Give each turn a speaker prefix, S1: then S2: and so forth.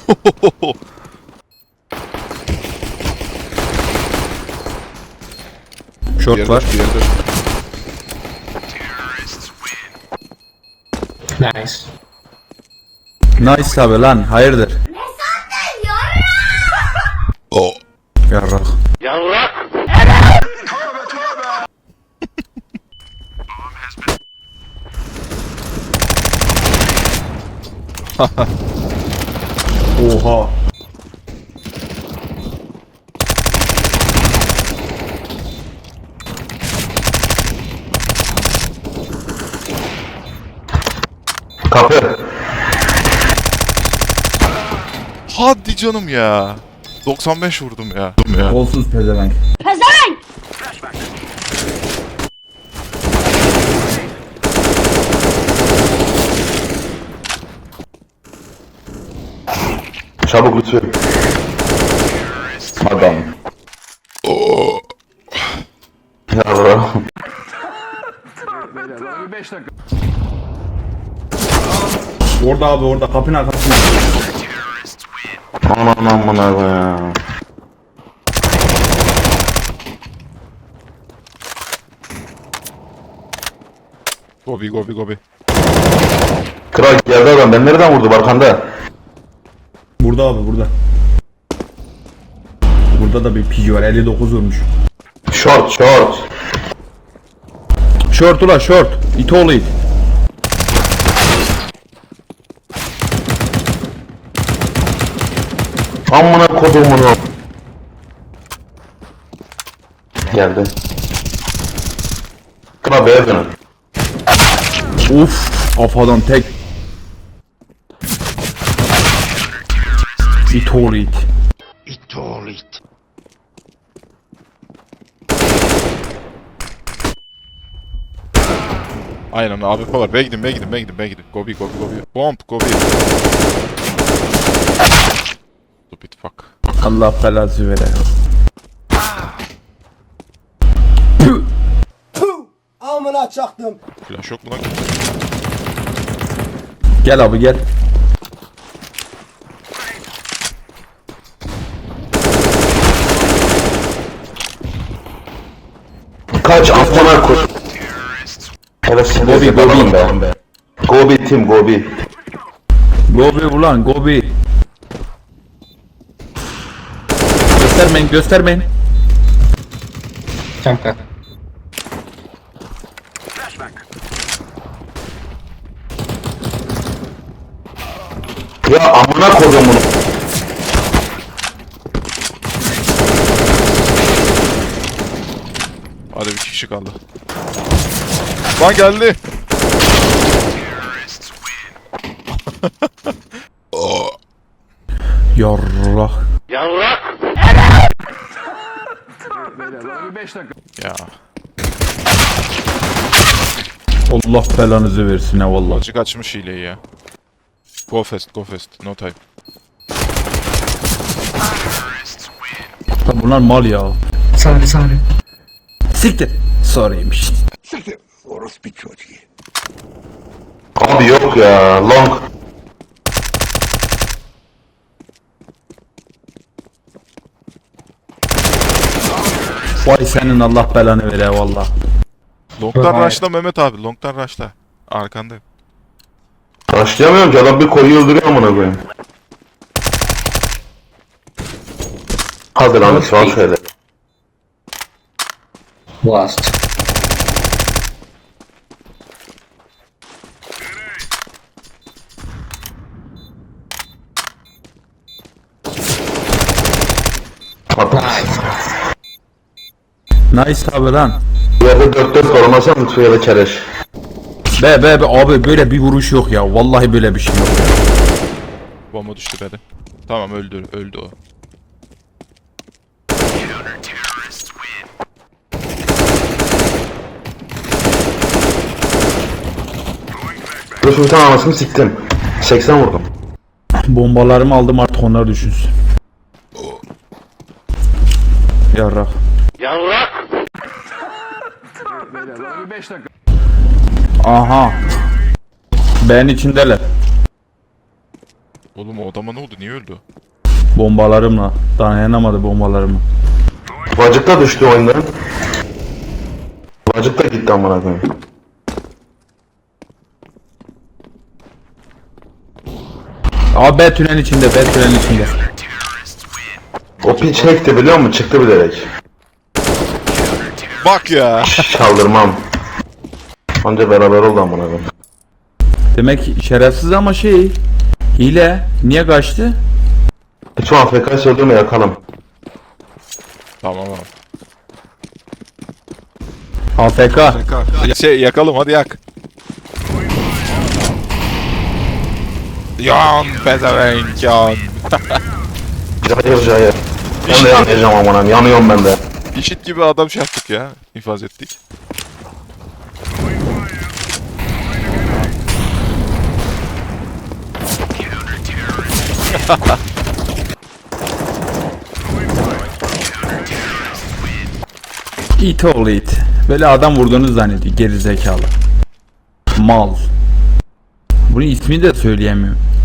S1: Short var.
S2: Nice.
S1: Nice abi lan, hayırdır?
S3: Oh.
S1: Yarrak. Oha.
S4: Kapı.
S3: Hadi canım ya. 95 vurdum ya.
S1: Kolsuz pezevenk.
S4: Çabuk lütfen. Adam.
S3: Oh.
S4: Yavrum.
S1: Orada abi, orada kapının arkasında.
S4: Aman aman abi ya.
S3: Gobi gobi gobi.
S4: Kral geldi adam. Ben nereden vurdu arkanda?
S1: Burada abi, burada. Burada da bir pigi var, 59 vurmuş.
S4: Short short.
S1: Short ula short. İt oğlu it.
S4: Amına kodumunu. Geldi. Kral beyaz dönün.
S1: Uf, kafadan tek. İt oğlu it.
S3: Aynen abi polar. B'ye gidin, B'ye gidin, B'ye gidin, B'ye gidin. Gobi gobi gobi. Bomb gobi. Stupid fuck.
S1: Allah belası vere.
S5: Amına çaktım.
S3: Flash yok mu lan?
S1: Gel abi gel.
S4: Kaç amına kod. Evet şimdi
S1: Gobi,
S4: bakalım
S1: Gobi.
S4: be. Gobi tim Gobi.
S1: Gobi ulan Gobi. Göstermeyin, göstermeyin.
S2: Kanka.
S4: Ya amına kodumunu.
S3: Hadi bir kişi kaldı. Lan geldi. Oh.
S1: Yarrak.
S3: Ya.
S1: Allah belanızı versin ha vallahi.
S3: Azıcık açmış hileyi ya. Go fast, go fast. No time.
S1: Bunlar mal ya.
S2: Sorry.
S1: Siktir. Sorry'miş.
S4: Abi yok ya long.
S1: Vay senin Allah belanı vere valla.
S3: Long'dan
S2: Vay.
S3: rush'la Mehmet abi. Long'dan rush'la. Arkandayım.
S4: Başlayamıyorum ki adam bir koyu öldürüyor amına koyayım. Hadi lan şu an şöyle.
S2: Last.
S4: Hadi.
S1: Nice abi lan.
S4: Yerde 4-4 korumasan lütfen ya da kereş.
S1: Be abi böyle bir vuruş yok ya. Vallahi böyle bir şey yok.
S3: Bomba düştü B'de. Tamam öldü o.
S4: Dur bir tane anasını siktim. 80 vurdum.
S1: Bombalarımı aldım artık onlar düşünsün. Yarrak. Aha. Ben içindeler.
S3: Oğlum o adama ne oldu? Niye öldü?
S1: Bombalarımla. Dayanamadı bombalarımla.
S4: Vacık da düştü oyundan. Vacık da gitti amına koyayım.
S1: Abi B tünelin içinde, B tünelin içinde.
S4: O piç hack'ti biliyor musun? Çıktı bilerek.
S3: Bak ya.
S4: Çaldırmam. Anca beraber oldu amına koyayım.
S1: Demek şerefsiz ama şey. Hile. Niye kaçtı?
S4: Hiç o AFK'yı söyleme yakalım.
S3: Tamam abi.
S1: AFK.
S3: Şey yakalım hadi yak. Yan pezevenk yan.
S4: Cayır cayır. Ben de yanayacağım amına koyayım. Yanıyorum ben de.
S3: İşit gibi adam şey yaptık ya. İnfaz ettik.
S1: İt oğlu it. Böyle adam vurduğunu zannediyor. Geri zekalı. Mal. Bunun ismini de söyleyemiyorum.